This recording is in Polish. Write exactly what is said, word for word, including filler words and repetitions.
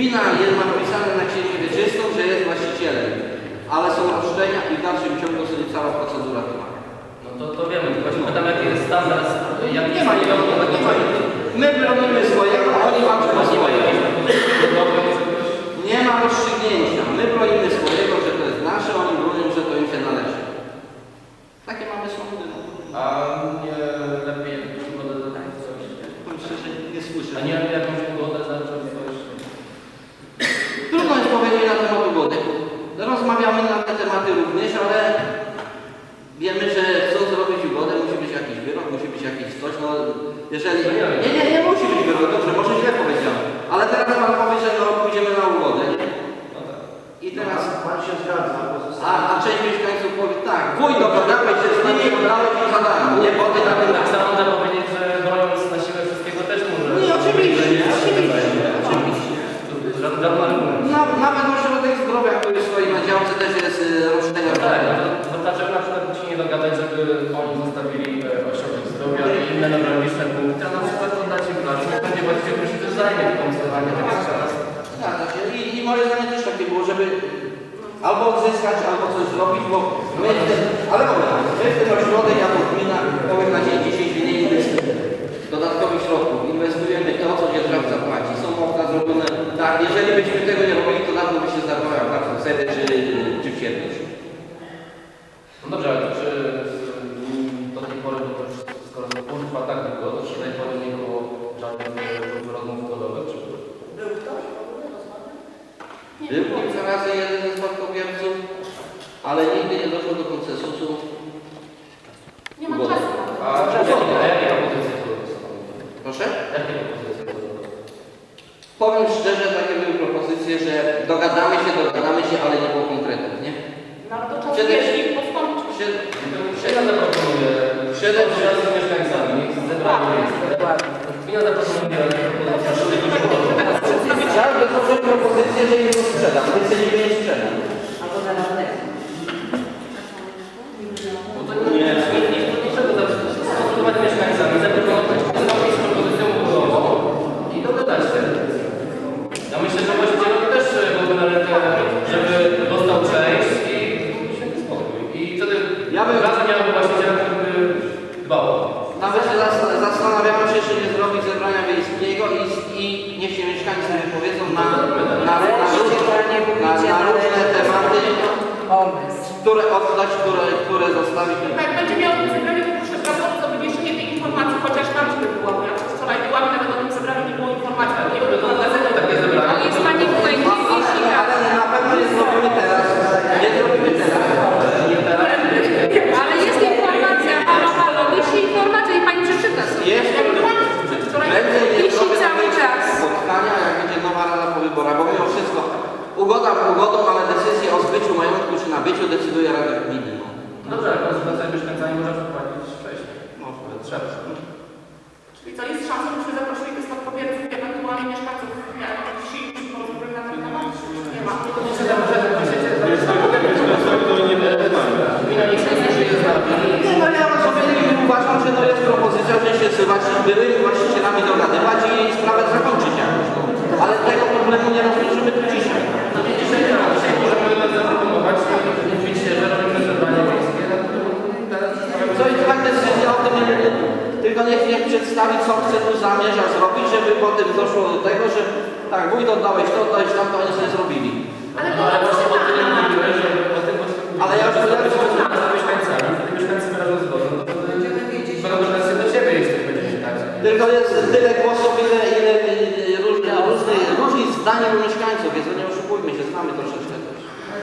Gmina jest napisane na księgę wieczystą, że jest właścicielem, ale są roszczenia i w dalszym ciągu sobie cała procedura trwa. No to, to wiemy, tylko się pytam, jaki jest standard, jak Nie ma nikogo tego czasu. My bronimy swojego, oni walczą o swojego. Nie ma rozstrzygnięcia. My bronimy swojego, że to jest nasze, oni bronią, że to im się należy. Takie mamy sądy. No. A nie lepiej jakąś ugodę zacząć coś? Powiem szczerze, nie słyszę. A nie lepiej jakąś ugodę zacząć coś? Trudno jest powiedzieć na temat ugody. Rozmawiamy na te tematy również, ale wiemy, że chcąc zrobić ugodę, musi być jakiś wyrok, musi być jakiś coś. No, jeżeli... Nie, nie, nie musi być wyrok, dobrze, może źle powiedziałem. Ale teraz pan powie, że no, pójdziemy na ugodę. Nie? I teraz... Pan się zgadza. A, a część mieszkańców powie tak, wuj, dogadałeś się z nimi, dałeś im za darmo, nie? Bo ty na tym... Tak samo można powiedzieć, że broniąc na siłę wszystkiego też może... Nie, oczywiście, oczywiście, oczywiście. Żaden argument. Nawet, nawet ośrodek zdrowia, który stoi na działce, też jest y, roszczenia. Tak, no to, to dlaczego na przykład się nie dogadać, żeby oni zostawili e, ośrodek zdrowia i inne newralgiczne punkty, a na przykład oddać im plażę, nie będzie właściwie ktoś też zajmie w konserwowanie tego czas. Zgadza się. I, I moje zdanie też takie było, żeby albo odzyskać, albo coś zrobić, bo my, w tym, ale mówię, my w ten ośrodek, jako gmina, powiem na dzień dzisiejszy nie inwestujemy dodatkowych środków, inwestujemy to, co dzierżawca płaci. Są okna zrobione tak, jeżeli byśmy tego nie robili, to dawno by się zdarzyła bardzo wtedy, czy, czy wsiedlisz. No dobrze, ale czy do tej pory, bo to już skoro urwa tak długo, to czy do tej pory nie było żadnych rozmów ugodowych, czy... Był ktoś w ogóle rozmawiał? Był kilka razy jeden ze spadkobierców, ale nigdy nie doszło do konsensusu. Nie ma Ugoda. czasu. A jakie propozycje były? Proszę? Jakie propozycje były? Powiem szczerze, takie były propozycje, że dogadamy się, dogadamy się, ale nie było konkretów, nie? No ale to czas Przede- jeśli postąpić. Przed, Gmina zaproponuje Przede przed z mieszkańcami, niech zebrali miejsce. Gmina zaproponuje Każdy złożył propozycję, że im to sprzedam, my chcemy nie sprzedam. Albo na radę. Bo to nie jest niczego skonsultować z mieszkańcami, zaproponować zrobić propozycję umowową i dogadać się. Ja myślę, że właścicielom też byłby na rękę, żeby dostał część i święty spokój. I wtedy Ja bym- raza miałaby właściciela, który by dbał. Nawet się zas- zastanawiamy się, czy nie zrobić zebrania wiejskiego i, i niech się mieszkańcy wypowiedzą na, na, na, na, różne, na, na różne tematy, które oddać, które, które zostawić. Jak będzie miał to zebranie, to proszę pracować o wywieszenie tej informacji, chociaż tam, żeby była, bo ja wczoraj byłam, nawet o tym zebraniu nie było informacji, ale nie było gazetę. Takie zebranie. Ale jest pani tutaj nie wieśnika. Ale na pewno nie zrobimy teraz. Nie zrobimy teraz. Ale jest informacja, halo, halo, wisi informacja i pani przeczyta sobie. Jest. Jak byłam wczoraj, Będzie wisi zrobię cały czas. spotkania, jak będzie nowa rada po wyborach, bo mimo wszystko ugoda ugodą, ale decyzję o zbyciu majątku czy nabyciu decyduje Rada Gminy. No. Dobrze, ale konsultacja z mieszkańcami można przeprowadzić wcześniej. Może. Trzeba. Czyli co, jest szansa, żebyśmy zaprosili tych spadkobierców i ewentualnie mieszkańców wsi i porozmawiali na ten temat? Nie ma. Nie, no ja sobie uważam, że to jest propozycja, że się z właśnie byłymi właścicielami dogadywać i sprawę zakończyć jakoś. No. Ale tego problemu nie rozwiążemy tu dzisiaj. No nie dzisiaj nie ma. Dzisiaj możemy zaproponować, mówić się, że robimy zebranie miejskie, no to teraz Co i tak decyzja o tym, nie, tylko niech, niech przedstawi, co chce tu zamierza zrobić, żeby potem doszło do tego, że tak, wójt oddałeś to, oddałeś tam, to oni sobie zrobili. Ale No ale właśnie o tym mówiłeś, że o tym Ale ja już będę powiedziałem, z mieszkańcami, wtedy mieszkańcy wyrażą zgodę, no to będą pretensje do siebie, jeśli będzie się tak. tylko jest tyle głosów, ile, ile różnych, różnych, różnych zdań u mieszkańców, więc no nie oszukujmy się, znamy troszeczkę